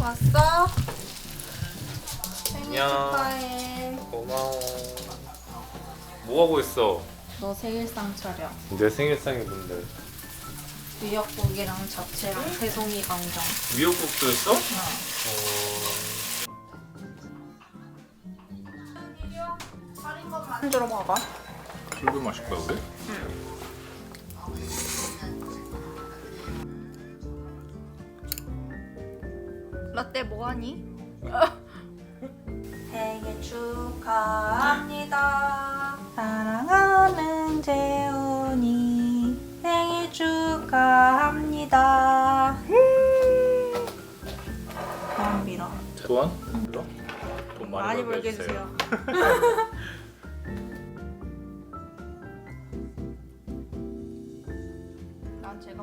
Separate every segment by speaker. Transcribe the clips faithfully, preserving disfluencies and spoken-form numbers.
Speaker 1: 왔어? 생일
Speaker 2: 안녕.
Speaker 1: 축하해.
Speaker 2: 고마워. 뭐 하고 있어?
Speaker 1: 너 생일상 차려.
Speaker 2: 내 생일상이 뭔데?
Speaker 1: 미역국이랑 잡채랑 새송이 강정.
Speaker 2: 미역국도 했어?
Speaker 1: 어. 한 들어봐봐.
Speaker 2: 술도 마실 거야 우리?
Speaker 1: 라떼 뭐하니? 생일 축하합니다. 사랑하는 재훈이 생일 축하합니다. 돈 빌어.
Speaker 2: 돈? 빌어? 돈 많이,
Speaker 1: 많이
Speaker 2: 벌게
Speaker 1: 벌게
Speaker 2: 해주세요.
Speaker 1: 해주세요. 난 제가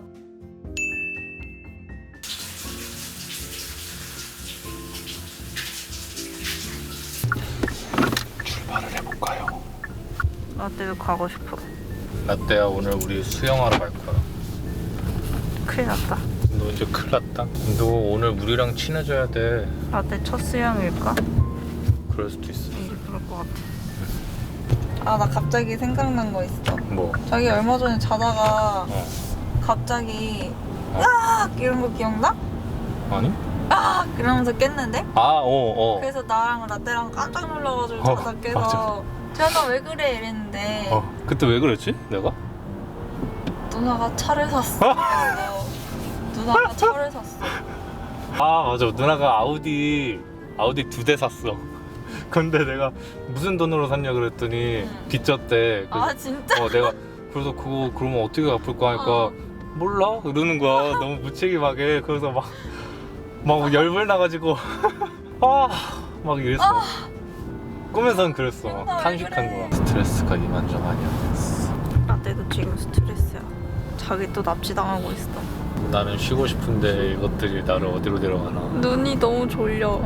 Speaker 2: 출발을 해볼까요?
Speaker 1: 라떼도 가고 싶어.
Speaker 2: 라떼야 오늘 우리 수영하러 갈 거야.
Speaker 1: 큰일 났다.
Speaker 2: 너 이제 큰일 났다. 너 오늘 우리랑 친해져야 돼.
Speaker 1: 라떼 첫 수영일까?
Speaker 2: 그럴 수도 있어.
Speaker 1: 왠지 그럴 것 같아. 아, 나 갑자기 생각난 거 있어.
Speaker 2: 뭐?
Speaker 1: 자기 얼마 전에 자다가
Speaker 2: 어.
Speaker 1: 갑자기
Speaker 2: 어.
Speaker 1: 으악! 이런 거 기억나?
Speaker 2: 아니?
Speaker 1: 아! 이러면서 깼는데?
Speaker 2: 아, 어, 어.
Speaker 1: 그래서 나랑 라떼랑 깜짝 놀라가지고
Speaker 2: 어,
Speaker 1: 자다 깨서 재현아 왜 그래? 이랬는데
Speaker 2: 어. 그때 왜 그랬지? 내가?
Speaker 1: 누나가 차를 샀어. 이러고. 누나가 차를 샀어.
Speaker 2: 아 맞아, 누나가 아우디 아우디 두 대 샀어. 근데 내가 무슨 돈으로 샀냐 그랬더니
Speaker 1: 응.
Speaker 2: 빚졌대. 그래서
Speaker 1: 아 진짜?
Speaker 2: 어 내가 그래서 그거 그러면 어떻게 갚을 거 하니까
Speaker 1: 어.
Speaker 2: 몰라 이러는 거야. 너무 무책임하게. 그래서 막 막 열불 나가지고 아 막 이랬어.
Speaker 1: 아.
Speaker 2: 꿈에선 그랬어.
Speaker 1: 맨날 왜
Speaker 2: 탄식한
Speaker 1: 그래.
Speaker 2: 거야. 스트레스가 이만저만이야.
Speaker 1: 라떼도 지금 스트레스야. 자기 또 납치당하고 있어.
Speaker 2: 나는 쉬고 싶은데 이것들이 나를 어디로 데려가나.
Speaker 1: 눈이 너무 졸려.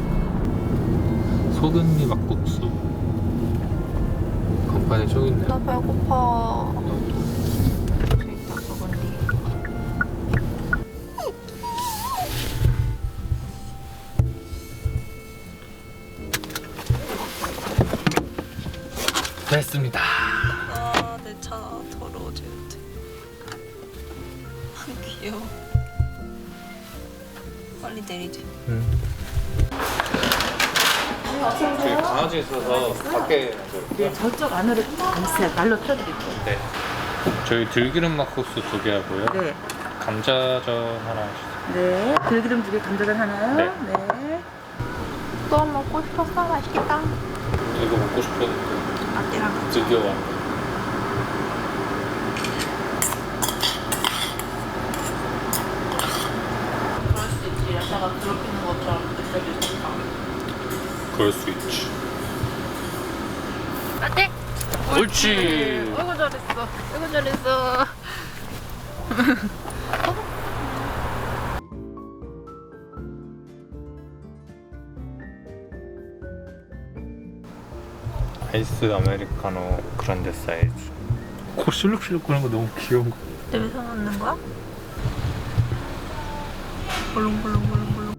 Speaker 2: 소금리 막국수. 간판에 저기 있네.
Speaker 1: 나 배고파. 저기 있다, 먹은디.
Speaker 2: 됐습니다.
Speaker 1: 아, 내 차 더러워질 듯. 귀여워. 빨리 내리자.
Speaker 2: 응. 저기 강아지 있어서 밖에
Speaker 3: 네, 저쪽 안으로 있어요. 말로 틀어드릴게요.
Speaker 2: 네. 저희 들기름 막국수 두 개 하고요.
Speaker 3: 네.
Speaker 2: 감자전 하나 주세요.
Speaker 3: 네. 들기름 두 개, 감자전 하나요?
Speaker 2: 네.
Speaker 3: 네.
Speaker 1: 또 먹고 싶었어. 맛있겠다.
Speaker 2: 이거 먹고 싶었는데
Speaker 1: 라떼랑
Speaker 2: 드디어 왔네.
Speaker 1: 그럴 수 있지. 라떼가 괴롭히는 것처럼 느껴질 수 있다.
Speaker 2: 그럴 수 있지.
Speaker 1: 라떼!
Speaker 2: 옳지.
Speaker 1: 어이구 잘했어. 어이구 잘했어.
Speaker 2: 아이스 아메리카노 그란데 사이즈. 코 실룩실룩 거리는 거 너무 귀여운 거.
Speaker 1: 냄새 맡는 거야? 볼롱볼롱볼롱볼롱.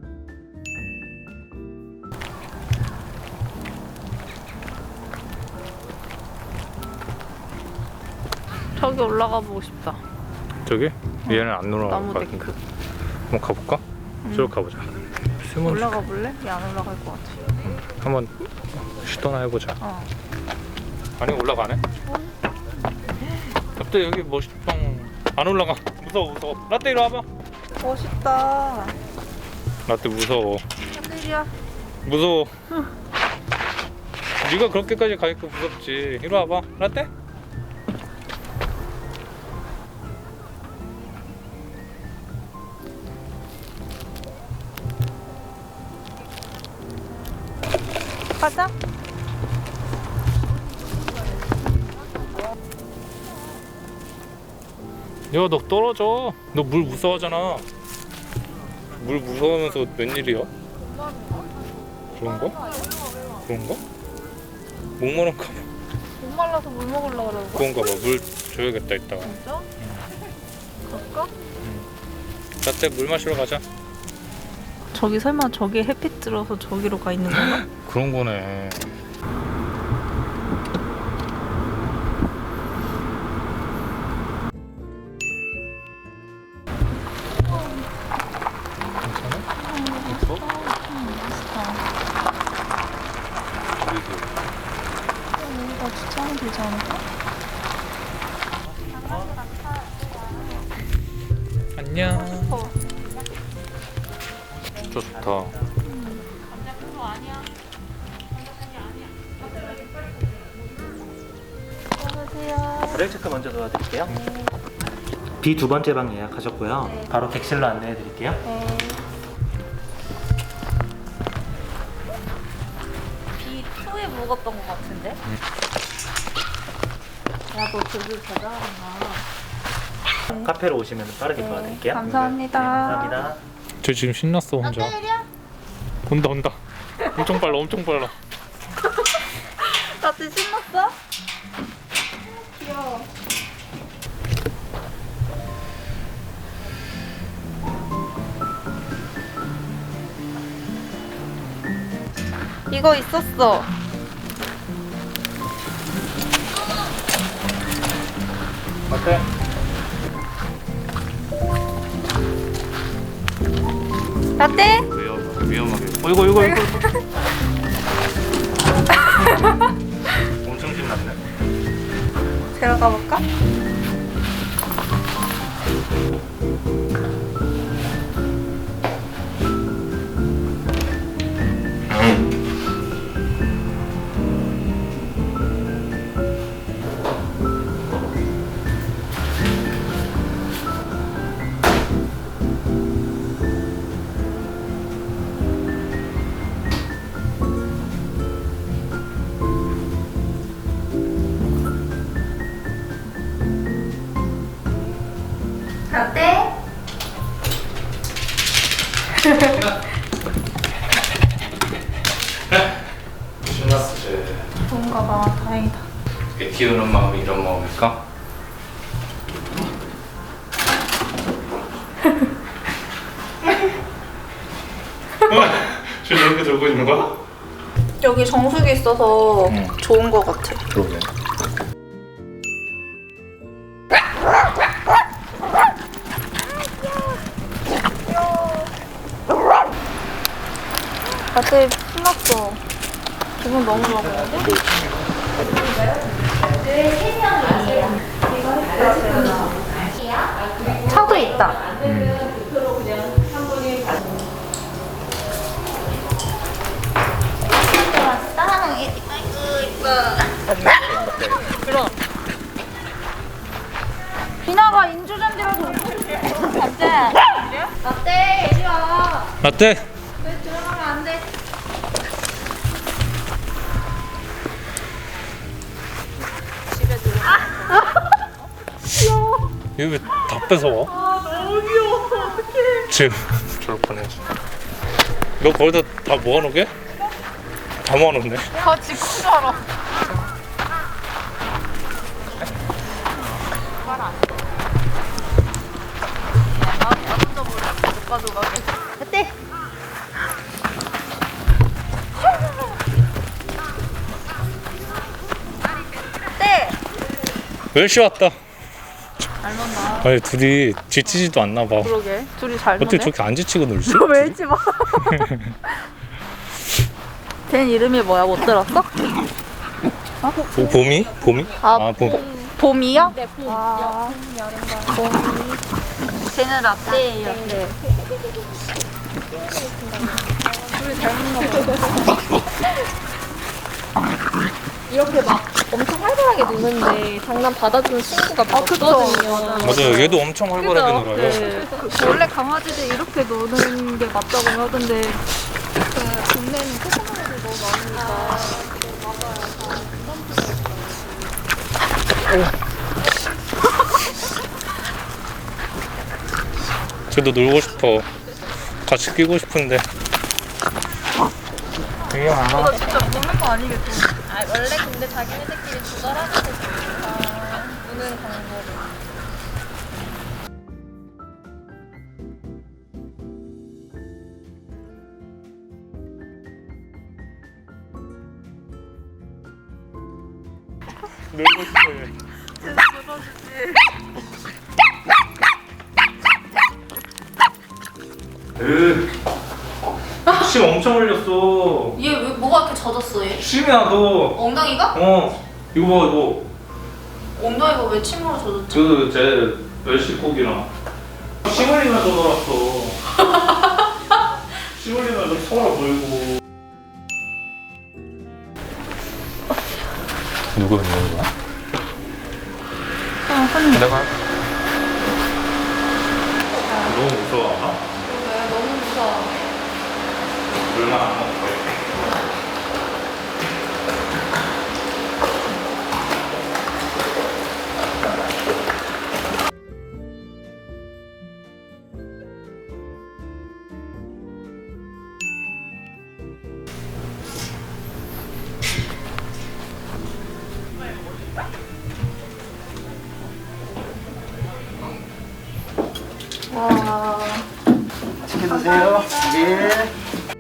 Speaker 1: 저기 올라가 보고 싶다.
Speaker 2: 저기? 얘는 안 올라갈
Speaker 1: 나무
Speaker 2: 것
Speaker 1: 데크.
Speaker 2: 같은데. 한번 가볼까? 쭉 가보자. 숨어
Speaker 1: 올라가 볼래? 얘 안 올라갈 것 같아.
Speaker 2: 한번 시도나 해보자.
Speaker 1: 어.
Speaker 2: 아니 올라가네? 라떼 여기 멋있다. 안 올라가. 무서워 무서워. 라떼 이리 와봐.
Speaker 1: 멋있다.
Speaker 2: 라떼 무서워.
Speaker 1: 하늘이야.
Speaker 2: 무서워. 네가 그렇게까지 가니까 무섭지. 이리 와봐. 라떼?
Speaker 1: 가자.
Speaker 2: 야 너 떨어져. 너 물 무서워하잖아. 물 무서워하면서 웬일이야? 그런가? 그런가? 목마른가 봐.
Speaker 1: 못 말라서 물 먹으려고 그러는 거야?
Speaker 2: 그런가 봐. 물 줘야겠다 이따가.
Speaker 1: 진짜? 갈까?
Speaker 2: 라떼 물 마시러 가자.
Speaker 1: 저기 설마 저기 햇빛 들어서 저기로 가 있는 건가?
Speaker 2: 그런 거네.
Speaker 1: 여기가 주차하면 되지 않을까?
Speaker 2: 안녕.
Speaker 1: 어.
Speaker 2: 진짜 좋다.
Speaker 4: 브레이크 체크 먼저 도와드릴게요. 비 두 번째 방 예약하셨고요. 바로 객실로 안내해 드릴게요.
Speaker 1: 비 투에 묵었던 것 같은데? 야, 너 저기 대단하구나.
Speaker 4: 카페로 오시면 빠르게 도와드릴게요.
Speaker 1: 감사합니다.
Speaker 4: 네, 감사합니다.
Speaker 2: 저 지금 신났어 혼자. 온다 온다. 엄청 빨라 엄청 빨라.
Speaker 1: 나한테 신났어? 귀여워. 이거 있었어.
Speaker 2: 어때?
Speaker 1: 라떼?
Speaker 2: 위험 위험하게. 어 이거 이거 이거. 엄청 신났네.
Speaker 1: 들어가 볼까? 라떼?
Speaker 2: 신났어 쟤.
Speaker 1: 좋은가 봐. 다행이다.
Speaker 2: 애 키우는 마음이 이런 마음일까? 쟤 저렇게 들고 있는 거야?
Speaker 1: 여기 정수기 있어서
Speaker 2: 응.
Speaker 1: 좋은 거 같아.
Speaker 2: 그러게.
Speaker 1: 라떼 신났어. 기분 너무 좋아 보이는데? 차도 있다. 비나가 인조잔디라도 라떼. 라떼 이리 와.
Speaker 2: 라떼.
Speaker 1: 왜 들어가면 안 돼? 집에 들어가. 귀여워.
Speaker 2: 이거 왜 다 뺏어와?
Speaker 1: 아 너무 귀여워. 어떡해.
Speaker 2: 지금 저럴 뻔했어. 너 거기다 다 모아놓게? 다 모아놓네.
Speaker 1: 같이 큰 줄 알아. 어때? 어때?
Speaker 2: 멸시 왔다.
Speaker 1: 잘 논다.
Speaker 2: 아니 둘이 지치지도 않나 봐.
Speaker 1: 그러게. 둘이 잘 노네.
Speaker 2: 어떻게 저렇게 안 지치고 놀지?
Speaker 1: 너 왜 잊지 마. 걘 이름이 뭐야? 못 들었어?
Speaker 2: 보, 봄이? 봄이?
Speaker 1: 아,
Speaker 2: 봄.
Speaker 1: 봄이요? 네, 봄. 아, 봄. 쟤는 라떼예요. 네. 둘이 잘 먹나 봐.
Speaker 5: 이렇게 막 엄청 활발하게 노는데 장난 받아주는 친구가
Speaker 1: 아, 그쵸.
Speaker 5: 없거든요.
Speaker 2: 맞아요. 얘도 엄청 활발하게 놀아요.
Speaker 1: 네. 그 원래 강아지들 이렇게 노는 게 맞다고 하던데 그 동네는 코코넛이 너무 많으니까.
Speaker 2: 쟤도 놀고 싶어. 같이 끼고 싶은데. 되게 많아.
Speaker 1: 나 진짜 먹는 거 아니겠지?
Speaker 5: 아, 원래 근데 자기네들끼리 조절하는 게 좋으니까 노는 방법을.
Speaker 2: 놀고 싶어해. 으, 침 엄청 흘렸어.
Speaker 5: 얘 왜 뭐가 이렇게 젖었어 얘?
Speaker 2: 침이야 너.
Speaker 5: 엉덩이가?
Speaker 2: 어, 이거 봐 이거.
Speaker 5: 엉덩이가 왜 침으로 젖었지?
Speaker 2: 그제 멸치고기랑 침 흘리면서 놀았어. 침 흘리면서 서로 놀고. 누구 있는 거야?
Speaker 3: 아, 하는 거.
Speaker 2: 내가 너무 무서워.
Speaker 5: 왜 너무 무서워.
Speaker 2: 얼마나 안 먹고 이렇게.
Speaker 5: 와.
Speaker 6: 맛있게 드세요. 예.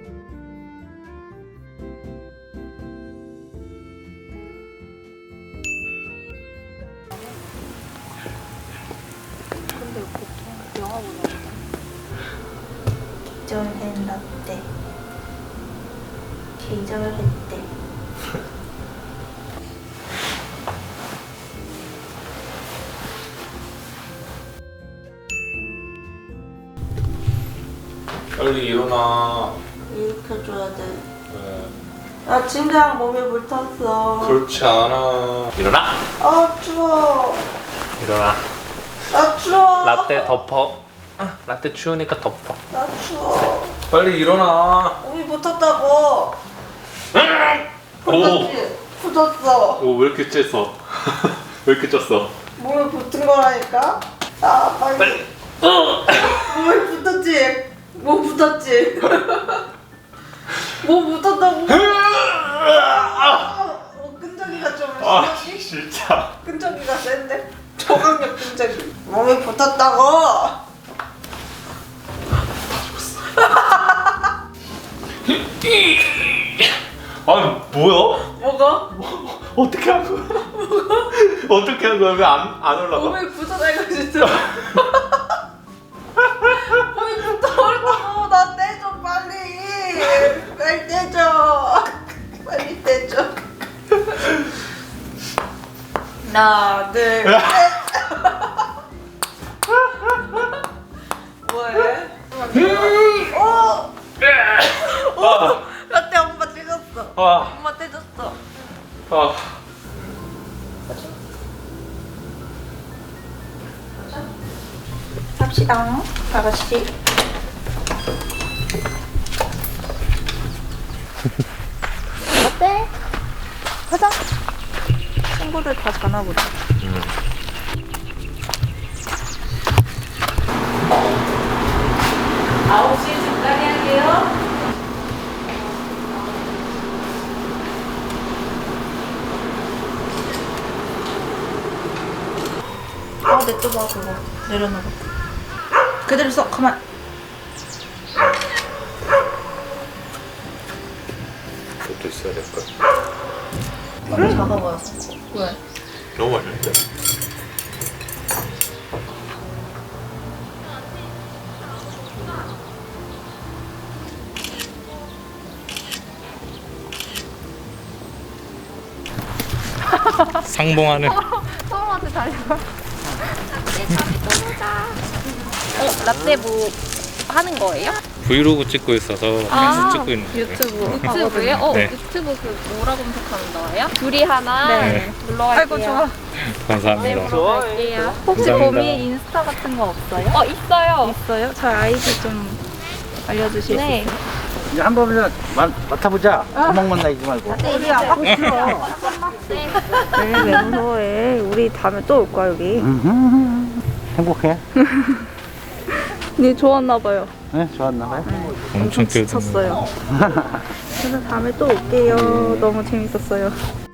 Speaker 5: 기절된 라떼. 기절했대.
Speaker 2: 빨리 일어나.
Speaker 7: 일으켜줘야 돼.
Speaker 2: 왜?
Speaker 7: 나 침대랑 몸에 물 탔어.
Speaker 2: 그렇지 않아. 일어나.
Speaker 7: 아 추워.
Speaker 2: 일어나.
Speaker 7: 나 추워.
Speaker 2: 라떼 덮어. 아, 라떼 추우니까 덮어.
Speaker 7: 나 추워.
Speaker 2: 빨리 일어나.
Speaker 7: 몸이 물 탔다고. 붙었지? 붙었어.
Speaker 2: 오, 왜 이렇게 쬐어? 왜 이렇게 쪘어?
Speaker 7: 몸에 붙은 거라니까. 아 빨리.
Speaker 2: 빨리.
Speaker 7: 몸에 붙었지? 몸 붙었지? 몸 붙었다고. 아, 어, 끈적이가 좀
Speaker 2: 아,
Speaker 7: 심하지?
Speaker 2: 진짜.
Speaker 7: 끈적이가 센데? 저강력 끈적이. 몸에 붙었다고.
Speaker 2: 아니, 뭐야?
Speaker 7: 뭐가?
Speaker 2: 어떻게 한 거야? 어떻게 한 거야? 왜 안 안 올라가?
Speaker 7: 몸에 붙어다니까 진짜. 몸에 붙어버렸다고. 나 떼줘 빨리. 빨리 떼줘. 빨리 떼줘. 하나 둘 셋. 뭐해? 어!
Speaker 2: 아,
Speaker 7: 라떼 엄마 찍었어.
Speaker 2: 아,
Speaker 7: 엄마 떼줬어.
Speaker 2: 아.
Speaker 7: 갑시다. 다 같이.
Speaker 1: 어때? 가자. 친구들 다 자나보다.
Speaker 3: 아홉 시에 잠깐 할게요.
Speaker 1: 아, 냅둬봐 그거. 내려놔봐. 그대로 써. 가만.
Speaker 2: 그것도 있어야 될걸?
Speaker 1: 너무 작아 보여서. 왜?
Speaker 2: 너무 맛있는데? 상봉하는.
Speaker 1: 처음한테 달려가. 라떼 잠이 떠보자. 어, 라떼 뭐 하는 거예요?
Speaker 2: 브이로그 찍고 있어서
Speaker 1: 아,
Speaker 2: 찍고 있는 거예요.
Speaker 1: 유튜브. 유튜브요? 어,
Speaker 2: 네.
Speaker 1: 유튜브 그 뭐라 검색하면 나와요? 둘이 하나.
Speaker 2: 네.
Speaker 1: 놀러 갈게요. 아이고 좋아.
Speaker 2: 감사합니다.
Speaker 1: 보러 갈게요. 혹시
Speaker 2: 감사합니다.
Speaker 1: 범이 인스타 같은 거 없어요? 어, 있어요. 있어요? 저 아이디 좀 알려주실 수 있어요?
Speaker 6: 이제 한 번만 맡아보자. 구멍만 나지 말고.
Speaker 1: 우리 아빠 싫어. 네, 왜 무서워해? 우리 다음에 또 올 거야 여기.
Speaker 6: 음흠. 행복해?
Speaker 1: 네, 좋았나 봐요.
Speaker 6: 네, 좋았나 봐요.
Speaker 2: 엄청
Speaker 1: 지쳤어요. 그래서 다음에 또 올게요. 너무 재밌었어요.